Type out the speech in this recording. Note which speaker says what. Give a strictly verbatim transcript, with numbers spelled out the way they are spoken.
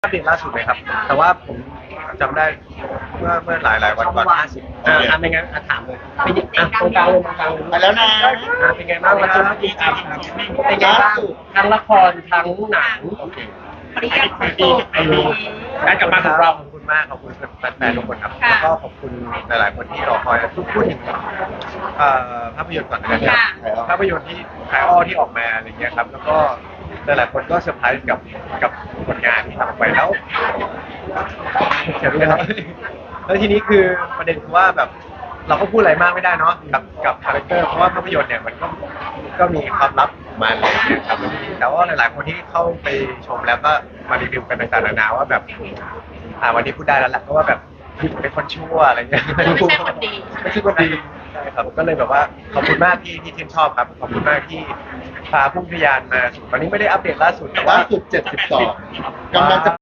Speaker 1: อัปเดตล่าสุดเลยครับแต่ว่าผมจำได้เมื่อเมื่อหลายหลายวันก่อนห้าสิบอ่าอ่าไม่งั้นอ่ะถามเลยไปหยิบอ่ะตรงกลางเลยตรงกลางเลย
Speaker 2: ไปแล้วนะ
Speaker 1: อ่าเป็นไงบ้างครับเมื่อกี้อ่ะเป็นไงบ้างทั้งละครทั้งหนังโอเค
Speaker 3: ปริยัติสุด
Speaker 1: การกลับมาของเราขอบคุณมากขอบคุณแฟนๆทุกคนครับแล้วก็ขอบคุณหลายๆคนที่รอคอยพูดพูดถึงเอ่อภาพยนตร์ก่อนนะครับภาพยนตร์ที่คายอ้อที่ออกมาอะไรเงี้ยครับแล้วก็หลายๆคนก็เซอร์ไพรส์กับกับผลงานที่ทำออกไปแล้วเขียนด้วยครับแล้วทีนี้คือประเด็นคือว่าแบบเราก็พูดอะไรมากไม่ได้เนาะกับกับคาแรคเตอร์เพราะว่าภาพยนตร์เนี่ยมันก็ก็มีความลับของมันอะไรอย่างเงี้ยครับแต่ว่าหลายๆคนที่เข้าไปชมแล้วก็มารีวิวกันต่างๆนานาว่าแบบอ่าวันนี้พูดได้แล้วแหละเพราะว่าแบบเป็นคนชั่วอะไรเงี้ย
Speaker 3: ไม่ใช่คนดี
Speaker 1: ไม่ใช่คนดีใช่ครับก็เลยแบบว่าขอบคุณมากที่ที่ชื่นชอบครับขอบคุณมากที่พาพุ่งทะยานมาสู่ตอนนี้ไม่ได้อัปเดตล่าสุดแต่ว่า
Speaker 2: ล่าสุดเจ็ดสิบสองกำลังจะ